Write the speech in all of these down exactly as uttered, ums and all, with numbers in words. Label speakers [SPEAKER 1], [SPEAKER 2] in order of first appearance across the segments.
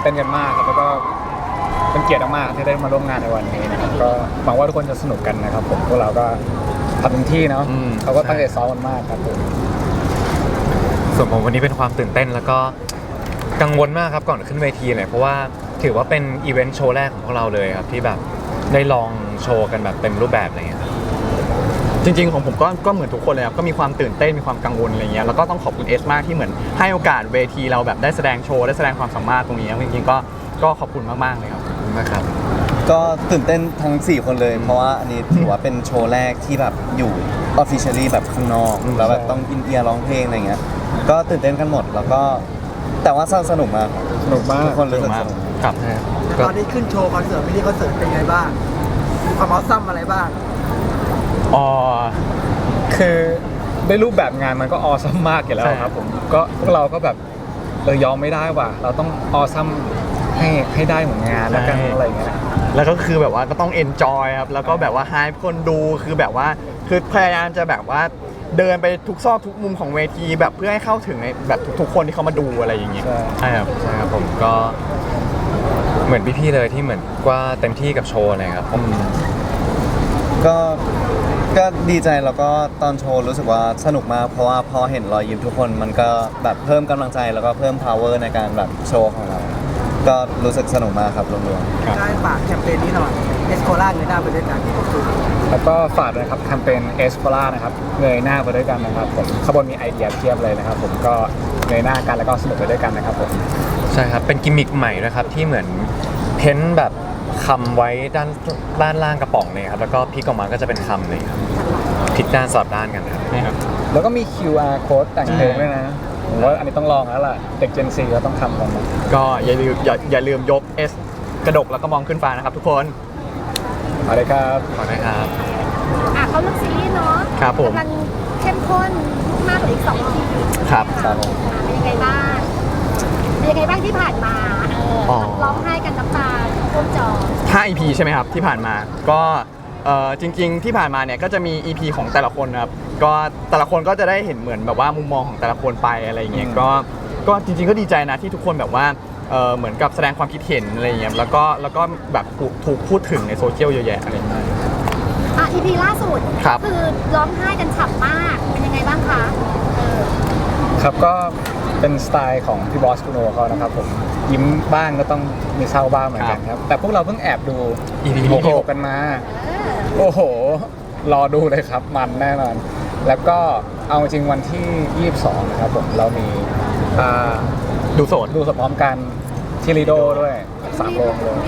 [SPEAKER 1] เต้นกันมากครับแล้วก็เป็นเกียรติมากที่ได้มาร่วมงานในวันนี้นะครับก็หวังว่าทุกคนจะสนุกกันนะครับผมพวกเราก็ทำเต็มที่เนาะเขาก็ตั้งใจซ้อมกันมากครับผม
[SPEAKER 2] ส่วนผมวันนี้เป็นความตื่นเต้นแล้วก็กังวลมากครับก่อนขึ้นเวทีเลยเพราะว่าถือว่าเป็นอีเวนต์โชว์แรกของพวกเราเลยครับที่แบบได้ลองโชว์กันแบบเต็มรูปแบบอะไรเงี้ย
[SPEAKER 3] จริงๆของผมก็ก็เหมือนทุกคนเลยครับก็มีความตื่นเต้นมีความกังวลอะไรเงี้ยแล้วก็ต้องขอบคุณเอสมากที่เหมือนให้โอกาสเวทีเราแบบได้แสดงโชว์ได้แสดงความสามารถตรงนี้จริงๆก็ก็ขอบคุณมากๆเลยครับ
[SPEAKER 2] มากครับ
[SPEAKER 4] ก็ตื่นเต้นทั้งสี่คนเลยเพราะว่าอันนี้ถือว่าเป็นโชว์แรกที่แบบอยู่ officially แบบข้างนอกแล้วแบบต้องอินเอียร์ร้องเพลงอะไรเงี้ยก็ตื่นเต้นกันหมดแล้วก็แต่ว่าสนุกมาก
[SPEAKER 1] สนุกมาก
[SPEAKER 4] ทุกคนรู้สึกสนุก
[SPEAKER 2] ครับ
[SPEAKER 5] ตอนนี้ขึ้นโชว์คอนเสิร์ตมินิคอนเสิร์ตเป็นไงบ้างมีความออซัมอะไรบ้าง
[SPEAKER 3] อ๋อ
[SPEAKER 1] คือได้รูปแบบงานมันก็ออซัมมากอยู่แล้วครับผมก็พวกเราก็แบบเออยอมไม่ได้ว่ะเราต้องออซัมให้ให้ได้เหมือนงานแล้วกันอะไรเงี้ย
[SPEAKER 3] แล้วก็คือแบบว่าก็ต้องเอนจอยครับแล้วก็แบบว่าให้คนดูคือแบบว่าคือพยายามจะแบบว่าเดินไปทุกซอกทุกมุมของเวทีแบบเพื่อให้เข้าถึงในแบบทุกๆคนที่เขามาดูอะไรอย่างเงี้ย
[SPEAKER 2] ใช่ครับใช่ครับผมก็เหมือนพี่ๆเลยที่เหมือนว่าเต็มที่กับโชว์เลยครับผม
[SPEAKER 4] ก็ก็ดีใจแล้วก็ตอนโชว์รู้สึกว่าสนุกมากเพราะว่าพอเห็นรอยยิ้มทุกคนมันก็แบบเพิ่มกำลังใจแล้วก็เพิ่ม power ในการแบบโชว์ของเราก็รู้สึกสนุกมากครับรวม
[SPEAKER 5] ๆได้ฝากแคมเปญนี้หน่อยเอสโคล่าเงยหน้าไปด้วยกัน
[SPEAKER 1] แล้วก็ฝากนะครับแคมเปญเอสโคล่านะครับเงยหน้าไปด้วยกันนะครับผมขบวนมีไอเดียเพียบเลยนะครับผมก็เงยหน้ากันแล้วก็สนุกไปด้วยกันนะครับผม
[SPEAKER 2] ใช่ครับเป็นกิมมิคใหม่นะครับที่เหมือนเพ้นแบบคำไว้ด้านด้านล่างกระป๋องเลยครับแล้วก็พลิกออกมาก็จะเป็นคำเลยครับพลิกด้านสลับด้านกันครับ
[SPEAKER 1] นี่ครับแล้วก็มี คิว อาร์ Code แต่งเพลงด้วยนะผมว่าอันนี้ต้องลองแล้วล่ะเด็ก Gen ซีก็ต้องทำกัน
[SPEAKER 3] ก็อย่าลืมอย่าอย่าลืมยก S กระดกแล้วก็มองขึ้นฟ้านะครับทุกคน
[SPEAKER 1] ขอเลยครับ
[SPEAKER 2] ขอเลยครับ
[SPEAKER 6] อ่ะเขาเรื่องซีรีส์เนาะ
[SPEAKER 3] ครับผม
[SPEAKER 6] กำลังเข้มข้นมากกว่าอีกสองที
[SPEAKER 3] ครับ
[SPEAKER 6] ครับเป็นยังไงบ้างเป็นยังไงบ้างที่ผ่านมาร้องไห้กันน้ำตาท่วมจอ
[SPEAKER 3] ห้า อี พี ใช่ไหมครับที่ผ่านมาก็จริงๆที่ผ่านมาเนี่ยก็จะมี อี พี ของแต่ละคนครับก็แต่ละคนก็จะได้เห็นเหมือนแบบว่ามุมมองของแต่ละคนไปอะไรอย่างเงี้ยก็ก็จริงๆก็ดีใจนะที่ทุกคนแบบว่าเหมือนกับแสดงความคิดเห็นอะไรอย่างเงี้ยแล้วก็แล้วก็แบบถูกพูดถึงในโซเชียลเยอะแยะอะไรอย่างเงี้ย
[SPEAKER 6] อ่ะ อี พี ล่าสุดคือร้องไห้กันฉ่ำมากเป็นยังไงบ้างคะ
[SPEAKER 1] ครับก็เป็นสไตล์ของพี่บอสกูโนเขานะครับผมยิ้มบ้างก็ต้องมีเศร้าบ้างเหมือนกันครับแต่พวกเราเพิ่งแอบดู อี พี หกกันมาโอ้โหรอดูเลยครับมันแน่นอนแล้วก็เอาจริงวันที่ยี่สิบสองนะครับผมเรามี
[SPEAKER 3] ดูสด
[SPEAKER 1] ดูสดพร้อมกันที่ลีโดด้วยสามโรงเลย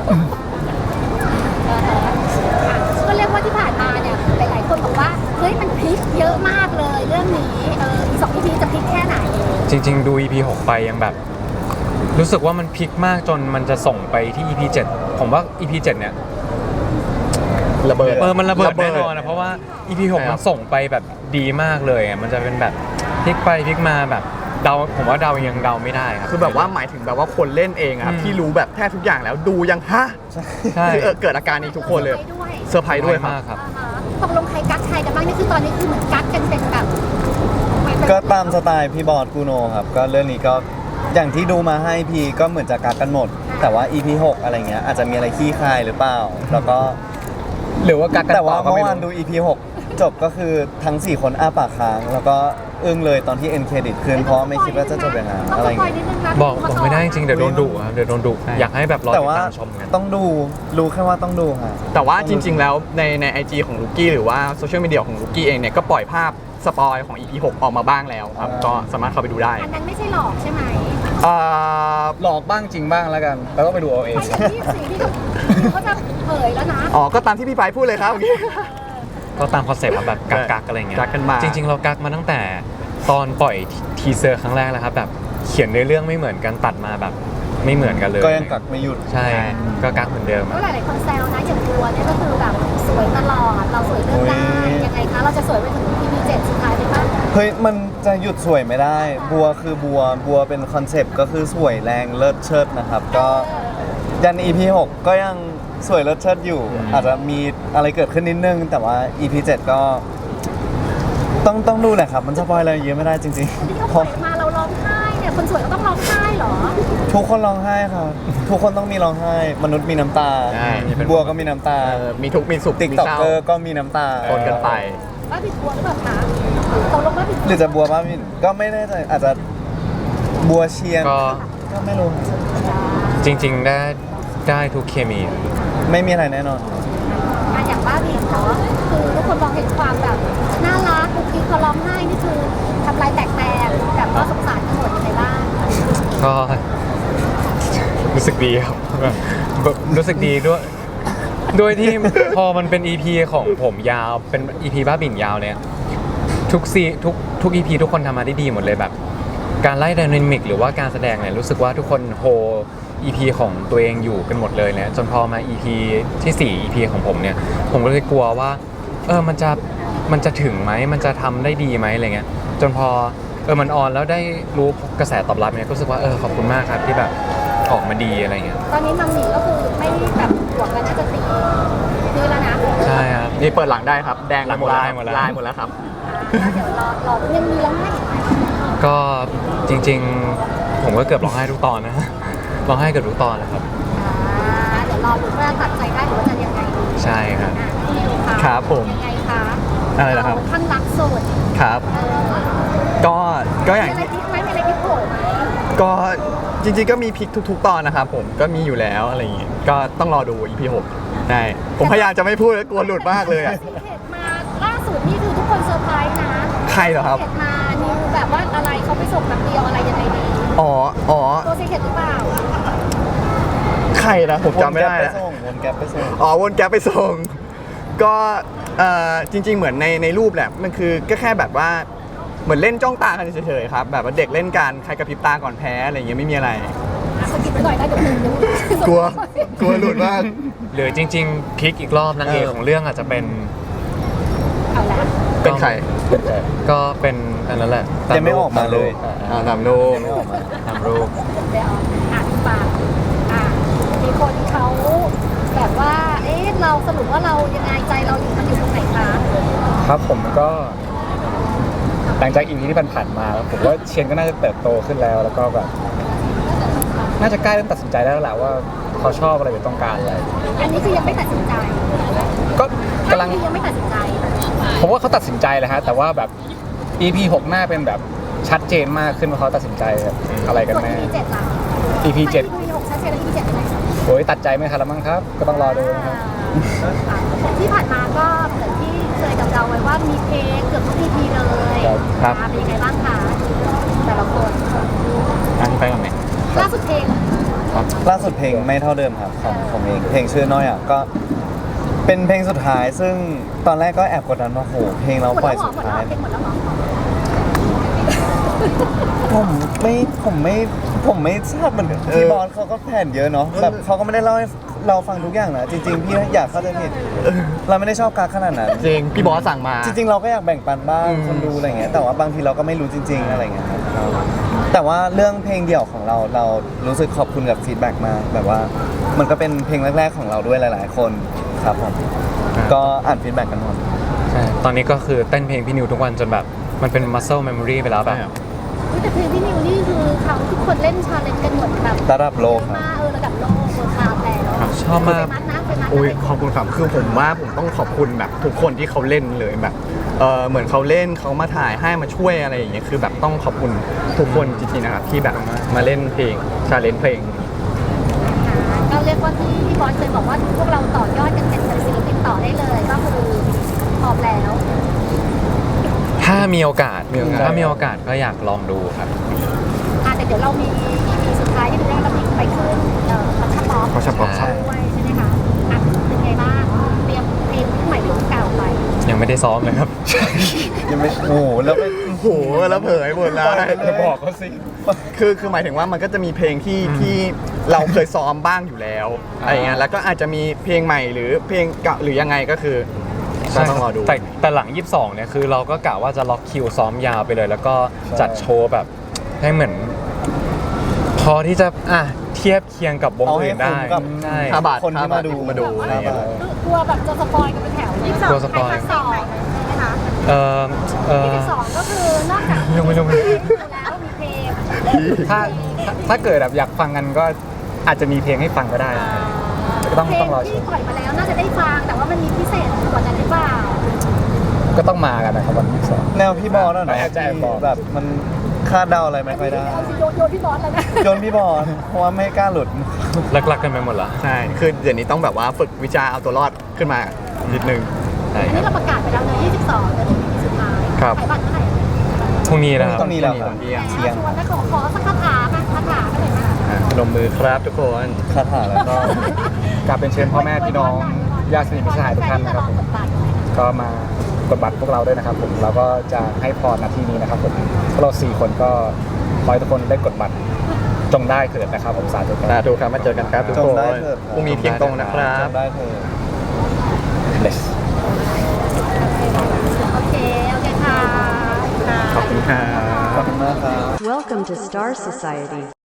[SPEAKER 6] ก็เรียกว่าที่ผ่านมาเนี่ยหลายๆคนบอกว่าเฮ้ยมันพลิกเยอะมากเลยเรื่องนี้เอออีกสอง อี พี จะพลิกแค่ไหน
[SPEAKER 2] จริงๆดู อี พี หกไปยังแบบรู้สึกว่ามันพลิกมากจนมันจะส่งไปที่ อี พี เจ็ดผมว่า อี พี เจ็ดเนี่ย
[SPEAKER 3] ระเบิด
[SPEAKER 2] เออมันระเบิดแน่นอนนะเพราะว่า อี พี หกมันส่งไปแบบดีมากเลยมันจะเป็นแบบพลิกไปพลิกมาแบบเดาผมว่าเดายังเดาไม่ได้ครับ
[SPEAKER 3] คือแบบว่าหมายถึงแบบว่าคนเล่นเองครับที่รู้แบบแทบทุกอย่างแล้วดูยังฮะใช่คือเกิดอาการนี้ทุกคนเลยเซอร์ไพรส์ด้วย
[SPEAKER 2] มากครับ
[SPEAKER 6] ตกลงใครกักใครกันบ้างนี่คือตอนนี้คือเหมือนกักกันเป็นแบบ
[SPEAKER 4] ก็ตามสไตล์พี่บอสกูโนครับก็เรื่องนี้ก็อย่างที่ดูมาให้พีก็เหมือนจะกักกันหมดแต่ว่า อี พี หกอะไรเงี้ยอาจจะมีอะไรขี้คายหรือเปล่าแล้วก็
[SPEAKER 1] หรือว่ากักกัน
[SPEAKER 4] แต่ว่าเมื่อวานดู อี พี หกจบก็คือทั้งสี่คนอ้าปากค้างแล้วก็อึ้งเลยตอนที่เอ็นเครดิตขึ้นเพราะไม่คิดว่าจะจบอย่างนั้นอะไรอย่างเงี้ย
[SPEAKER 2] บอกบอกไม่ได้จริงเดี๋ยวโดนดุครับเดี๋ยวโดนดุอยากให้แบบรอติดตามชมกัน
[SPEAKER 4] ต้องดูรู้แค่ว่าต้องดูค่ะ
[SPEAKER 3] แต่ว่าจริงๆแล้วในใน ไอ จี ของลูกี้หรือว่าโซเชียลมีเดียของลูกี้เองเนี่ยก็ปล่อยภาพสปอยของ อี พี หกออกมาบ้างแล้วครับก็สามารถเข้าไปดูได้
[SPEAKER 6] อันนั้นไม่ใช่หลอกใช่ไหม
[SPEAKER 1] หลอกบ้างจริงบ้างแล้วกันแล้วก็ไปดูเอาเอง
[SPEAKER 6] ที่สิ่งที่เขาจะเผยแล้วนะ
[SPEAKER 3] อ๋อก็ตามที่พี่ไปพูดเลยครับ
[SPEAKER 2] ก็ตามคอนเซ็ปต์แบบกักๆอะไรเงี้ย
[SPEAKER 3] กักกันมา
[SPEAKER 2] จริงๆเรากักมาตั้งแต่ตอนปล่อยทีเซอร์ครั้งแรกแล้วครับแบบเขียนในเรื่องไม่เหมือนกันตัดมาแบบไม่เหมือนกันเลย
[SPEAKER 4] ก็ยังกักไม่หยุด
[SPEAKER 2] ใช่ก็กักเหมือนเดิม
[SPEAKER 6] ก็หลายๆคนแซวนะอย่างบัวเนี่ยก็คือแบบสวยตลอดเราสวยเรื่องได้ยังไงคะเราจะสวยไปถึง อี พี เจ็ดสุดท้ายไหมคะ
[SPEAKER 4] เฮ้ยมันจะหยุดสวยไม่ได้บัวคือบัวบัวเป็นคอนเซปต์ก็คือสวยแรงเลิศเชิดนะครับก็ยัน อี พี หกก็ยังสวยเลิศเชิดอยู่อาจจะมีอะไรเกิดขึ้นนิดนึงแต่ว่า อี พี เจ็ดก็ต้องต้องดูแหละครับมันสปอยอะไรเยอะไม่ได้จริง
[SPEAKER 6] ๆที่เขาปล่อยมาเราร้องไห้เนี่ยคนสวยก็ต้องร้องไห้เหรอ
[SPEAKER 4] ทุกคนร้องไห้ครับทุกคนต้องมีร้องไห้ มนุษย์มีน้ำตา
[SPEAKER 3] ใช่
[SPEAKER 4] บัวก็มีน้ำตา
[SPEAKER 3] เออมีทุกข์มีสุข
[SPEAKER 4] ติ๊ก
[SPEAKER 3] มี
[SPEAKER 4] ต็อก
[SPEAKER 3] เศร้า
[SPEAKER 4] เกอร์ก็มีน้ำตา
[SPEAKER 3] ปนกันไป
[SPEAKER 6] ว่าผิดบัวหรือเปล่าคะตกลงว่าผิด
[SPEAKER 4] หรือจะบัวบ้ามินก็ไม่แน่ใจอาจจะบัวเชียง
[SPEAKER 2] ก็
[SPEAKER 4] ก็ไม่รู้
[SPEAKER 2] จริง ๆ ได้ได้ทุกเคมี
[SPEAKER 4] ไม่มีอะไรแน่นอน
[SPEAKER 6] อ่ะอย่างบ้าบินเนาะคือทุกคนมองเห็นความแบบน่ารักคุกกี้เขาร้องไห้นี่คือทำลายแตกแตกแบบว่าสงสารกันหมดยังไงบ้าง
[SPEAKER 2] ก็รู้สึกดีครับแบบรู้สึกดีด้วยโดยที่ พอมันเป็น อี พี ของผมยาวเป็น อี พี บ้าบิ่นยาวเนี่ยทุกซีทุกทุก อี พี ทุกคนทำมาได้ดีหมดเลยแบบ การไล่ไดนามิกหรือว่าการแสดงเนี่ยรู้สึกว่าทุกคนโฮ อี พี ของตัวเองอยู่กันหมดเลยเนี่ยจนพอมา อี พี ที่สี่ อี พี ของผมเนี่ยผมก็เลยกลัวว่าเออมันจะมันจะถึงไหมมันจะทำได้ดีไหมอะไรเงี้ยจนพอเออมันออนแล้วได้รู้กระแสตอบรับเนี่ยก็รู้สึกว่าเออขอบคุณมากครับที่แบบออกมาดีอะไรเงี้ย
[SPEAKER 6] ตอนนี้มัมหมี่ก็คือไม่แบบบวกกันน่าจะตีคือแล้วนะ
[SPEAKER 2] ใช่ครับ
[SPEAKER 3] นี่เปิดหลังได้ครับ แดงไปหมด
[SPEAKER 2] หลั
[SPEAKER 3] ลาง ย
[SPEAKER 2] หมดแล้ว
[SPEAKER 3] ลายหมดแล้วครับ
[SPEAKER 6] อ่าเดี๋ยวรอรอยังมีร้องไห้อีกไหม
[SPEAKER 2] ก็จริงๆ ผมก็เกือบร้องไห้ทุกตอนนะ ร้องไห้เกือบทุกตอนนะครับ
[SPEAKER 6] อ่าเดี๋ยวรอดูว่าตัดใจได้หรือว่าจะยังไงดี
[SPEAKER 2] ใช่ครับ
[SPEAKER 6] อ่ะพี่นิวคะ
[SPEAKER 3] ครับผม
[SPEAKER 6] ยังไงคะ
[SPEAKER 3] อะไรนะครับ
[SPEAKER 6] ข้างรักสุด
[SPEAKER 3] ครับ
[SPEAKER 6] เออ
[SPEAKER 3] ก็ก็อย่าง
[SPEAKER 6] มีอะไรพลิกไหมมีอะไรพลิกโผล่ไหม
[SPEAKER 3] ก็จริงๆก็มีพลิกทุก ๆ ตอนนะครับผมก็มีอยู่แล้วอะไรอย่างงี้ก็ต้องรอดู อี พี หกใช่ผมพยายามจะไม่พูดแล้วกลัวหลุดมากเลยอ่ะ
[SPEAKER 6] ซีเคร็ตมาล่าสุดนี่คือทุกคนเซอร์ไพรส์นะ
[SPEAKER 3] ใครเหรอครับ
[SPEAKER 6] ซีเคร็ตมานิวแบบว่าอะไรเขาไปส่งแบบเดียวอะไรยังไงดี
[SPEAKER 3] อ๋ออ๋อ
[SPEAKER 6] ตัวซีเคร็ตหรือเปล่า
[SPEAKER 3] ใครนะผมจำไม่ได้
[SPEAKER 4] วนแก๊ป
[SPEAKER 3] แล้ว
[SPEAKER 4] ไปส่งวนแก๊ปไปส่ง
[SPEAKER 3] อ๋อวนแก๊ปไปส่ง ก็เอ่อจริง ๆ เหมือนในในรูปแหละมันคือก็แค่แบบว่าเหมือนเล่นจ้องตากันเฉยๆครับแบบว่าเด็กเล่นกันใครกระพริบตาก่อนแพ้อะไรอย่างเงี้ยไม่มีอะไร
[SPEAKER 6] อ่ะสกิปไปก่อนได้เดี๋ยวเดี๋ยว
[SPEAKER 3] กลัวกลัวหลุดมาก
[SPEAKER 2] หรือจริงๆพลิกอีกรอบนางเอก
[SPEAKER 3] เออ
[SPEAKER 2] ของเรื่องอาจจะเป็น
[SPEAKER 6] เอาละ
[SPEAKER 3] เป็นใคร
[SPEAKER 2] ก็เป็นอันนั้นแหละ
[SPEAKER 4] ยังไม่ออกมาเลย
[SPEAKER 3] อ่าตามรูป
[SPEAKER 4] ยังไม่ออกมา
[SPEAKER 2] ตามรูป
[SPEAKER 6] เดี๋ยวอ่านฝากอ่ะมีคนเขาแบบว่า เอ๊ะเราสรุปว่าเรายังไงใจเราอยู่มันอยู่ตรงไหนคะ
[SPEAKER 1] ครับผมก็หลังจากอีพีที่ผ่านๆมาแล้วผมว่าเชนก็น่าจะเติบโตขึ้นแล้ว แล้วก็แบบน่าจะกล้าเริ่มตัดสินใจได้แล้วแหละว่าเขาชอบอะไรหรือต้องการอะไร
[SPEAKER 6] อันนี้คือยังไม่ตัดสินใจ
[SPEAKER 1] ก็กำลัง
[SPEAKER 6] อันนี้ยังไม่ตัดสินใจ
[SPEAKER 1] ผมว่าเขาตัดสินใจเลยฮะแต่ว่าแบบ อี พี หกหน้าเป็นแบบชัดเจนมากขึ้นว่าเขาตัดสินใจแบบอะไรกัน
[SPEAKER 6] ส่วน
[SPEAKER 1] แน่
[SPEAKER 6] อีพีเจ็ดล่ะ
[SPEAKER 1] อี พี เจ็ด
[SPEAKER 6] อีพีหกชัดเจนแล้วอีพีเจ็ดเป็นไง
[SPEAKER 1] โอ้ยตัดใจไม่ทันแล้วมั้งครับ ก็ต้องรอดูนะครับ
[SPEAKER 6] ที่ผ่านมาก็เหมือนที่เคยเดาๆไว้ว่ามีเพลงเกือบทุก อี พี เลย
[SPEAKER 3] ครับ
[SPEAKER 6] อ่ะเป็นยังไงบ้างคะแต่ละคน
[SPEAKER 2] อันนี้ไปก่อนไหม
[SPEAKER 6] ล่าสุดเพลง
[SPEAKER 4] ล่าสุดเพลงไม่เท่าเดิมครับของผมเองเพลงชื่อน้อยอ่ะก็เป็นเพลงสุดท้ายซึ่งตอนแรกก็แอบกดดันว่าโหเพลงเรา
[SPEAKER 6] หมด
[SPEAKER 4] ปล่
[SPEAKER 6] แล้
[SPEAKER 4] อยว
[SPEAKER 6] เหรอ
[SPEAKER 4] สุด
[SPEAKER 6] หมดแล้ว
[SPEAKER 4] ท้าย
[SPEAKER 6] เพลงหมดแล้วเหรอ
[SPEAKER 4] ผมไม่ผมไม่ผมไม่ทราบเหมือนกัน
[SPEAKER 3] เออ
[SPEAKER 4] พี่บอสเขาก็แผนเยอะเนาะแบบเขาก็ไม่ได้เล่าให้เราฟังทุกอย่างนะจริงๆพี่อยากเข้าใจผิดเราไม่ได้ชอบการขนาดนั้น
[SPEAKER 3] จริงพี่บอสสั่งมา
[SPEAKER 4] จริงๆ เราก็อยากแบ่งปันบ้าง
[SPEAKER 3] อืม
[SPEAKER 4] คนดูอะไรเงี้ยแต่ว่าบางทีเราก็ไม่รู้จริง ๆ อะไรเงี้ยครับแต่ว่าเรื่องเพลงเดี่ยวของเราเรารู้สึกขอบคุณกับฟีดแบ็กมากแบบว่ามันก็เป็นเพลงแรก ๆ ของเราด้วยหลาย ๆ คนครับผมก็อ่านฟีดแบ็กกันหมด
[SPEAKER 2] ใช่ตอนนี้ก็คือเต้นเพลงพี่นิวทุกวันจนแบบมันเป็น muscle memory ไปแล้วแบบ
[SPEAKER 6] อุ๊ยแต่เพลงพี่นิวนี่คือเขาทุกคนเล่นชาเลนจ์กันหมดแบบ
[SPEAKER 4] ระดับโลก
[SPEAKER 6] เยอะ
[SPEAKER 4] ครับ
[SPEAKER 6] มากเออระดับโลกเวิร์คคลาสแล้ว
[SPEAKER 2] ชอบมาก
[SPEAKER 6] ไปมัดนะไปมัดนะ
[SPEAKER 3] อุ้ยขอบคุณครับคือผมว่าผมต้องขอบคุณแบบทุกคนที่เขาเล่นเลยแบบเออเหมือนเขาเล่นเขามาถ่ายให้มาช่วยอะไรอย่างเงี้ยคือแบบต้องขอบคุณทุกคนจริงๆนะครับที่แบบมาเล่นเพลงชาเลนจ์เพลง
[SPEAKER 6] อ่าก็เรียกว่าที่พี่บอสเคยบอกว่าพวกเราต่อยอดกันเป็นศิลปินต่อได้เลยก็คือพร้อมแล้ว
[SPEAKER 2] ถ้ามีโอกาส
[SPEAKER 3] มีโอกาส
[SPEAKER 2] ถ้ามีโอกาสก็อยากลองดูครับ
[SPEAKER 6] อ่าแต่เดี๋ยวเรามี อี พี สุดท้ายที่เราจะมีไปขึ้นเอ่อคอนชัพป๊อป
[SPEAKER 3] เขาชอบป๊อปครับ
[SPEAKER 6] ด้วยใช่ไหมคะอ่ะเป็นไงบ้างเตรียมเพลงใหม่เพลงเก่าไป
[SPEAKER 2] ยังไม่ได้ซ้อมเลยครับ
[SPEAKER 4] ยังไม่โอ้โหแล้วไป
[SPEAKER 3] โอ้โหแล้วเผยหมดแล้ว
[SPEAKER 1] จะบอกเขาสิ
[SPEAKER 3] คือคือหมายถึงว่ามันก็จะมีเพลงที่ที่เราเคยซ้อมบ้างอยู่แล้วอะไรเงี้ยแล้วก็อาจจะมีเพลงใหม่หรือเพลงเก่าหรือยังไงก็คือก็ต้องรอดู
[SPEAKER 2] แต่แต่หลัง ยี่สิบสอง เนี่ยคือเราก็กะว่าจะล็อกคิวซ้อมยาวไปเลย แล้วก็จัดโชว์แบบให้เหมือน พอที่จะอ่ะเทียบเคียงกับวง
[SPEAKER 4] เอาให้
[SPEAKER 2] อื่นได้
[SPEAKER 4] คุ้มกับ
[SPEAKER 2] ใช่
[SPEAKER 3] ห้าบาท
[SPEAKER 4] คนที่มาดู
[SPEAKER 3] มาดูอะไรเงี้ย
[SPEAKER 6] กลัวแบบจะสปอยกันเป็นแถวยี่สิบสอง
[SPEAKER 2] กลัวสปอย
[SPEAKER 6] ใครสองใช่ไหมคะ
[SPEAKER 2] เออเอ
[SPEAKER 6] ยี่
[SPEAKER 2] อ
[SPEAKER 6] สิบสองก็คือนอกจาก
[SPEAKER 2] ไม่รู้ไม่รู้
[SPEAKER 6] เพลงแล้วมีเพลง
[SPEAKER 1] ถ้าถ้าถ้าเกิดแบบอยากฟังกันก็อาจจะมีเพลงให้ฟังก็ได้ก็ต้อง
[SPEAKER 6] เพล
[SPEAKER 1] ต้อง งรอช
[SPEAKER 6] ที่
[SPEAKER 1] ม
[SPEAKER 6] ปล่อยมาแล้วน่าจะได้ฟังแต่ว่ามันมีพิเศษกว่านั้นหรือเปล่า
[SPEAKER 1] ก็ต้องมากันนะครับวันที่สอง
[SPEAKER 4] แนวพี่บอลน่ะ
[SPEAKER 1] ไม่
[SPEAKER 4] เนาะ
[SPEAKER 1] อาจจะแอบบอก
[SPEAKER 4] ที่แบบมันคาดเดาอะไรไม่ค่อยได้
[SPEAKER 6] เอาสิโยนโยนพี่บอสเลยนะ
[SPEAKER 4] โยนพี่บอลเพราะว่าไม่กล้าหลุด
[SPEAKER 2] ลักๆกันไปหมดละ
[SPEAKER 3] ใช่ คือเดี๋ยวนี้ต้องแบบว่าฝึกวิชาเอาตัวรอดขึ้นมานิดนึง
[SPEAKER 2] ใช่
[SPEAKER 6] อัน
[SPEAKER 2] ค
[SPEAKER 6] นี้
[SPEAKER 2] รับ
[SPEAKER 6] เราประกาศไปแล้วเนอะยี่สิบสองจะถึงสุดท้าย
[SPEAKER 2] ครับ
[SPEAKER 6] ขายบัตรเท่าไหร่
[SPEAKER 2] พรุ่งนี้นะครับ
[SPEAKER 4] ต้องมีแล้วครับ
[SPEAKER 3] เที่ยง
[SPEAKER 4] เที่ยง
[SPEAKER 6] ชวนนะขอขอสักคาถามาคาถาก็เลยมา
[SPEAKER 3] อ่ะพนมมือครับทุกคน
[SPEAKER 4] คาถาแล้วก็
[SPEAKER 1] กราบเป็นเชิญพ่อแม่พี่น้องญาติสนิทมิตรสหายทุกท่านนะครับผมก็มากดบัตรพวกเราด้วยนะครับผมเราก็จะให้พรณที่นี้นะครับผมพวกเราสี่คนก็ขอให้ทุกคนได้กดบัตรจงได้เถิดนะครับผมสาธุครับ
[SPEAKER 3] สาธุครับ มาเจอกันครับทุก
[SPEAKER 4] จ
[SPEAKER 3] ค
[SPEAKER 4] ง
[SPEAKER 3] น
[SPEAKER 4] ได้เถิด
[SPEAKER 3] พรุ่งนี้เที่ยงตรงนะครับ
[SPEAKER 4] จำได้เธอ
[SPEAKER 1] Bless
[SPEAKER 6] โอเค โอเคค่ะ
[SPEAKER 3] ขอบคุณครับ
[SPEAKER 4] ขอบคุณมากครับ
[SPEAKER 7] Welcome to Star Society.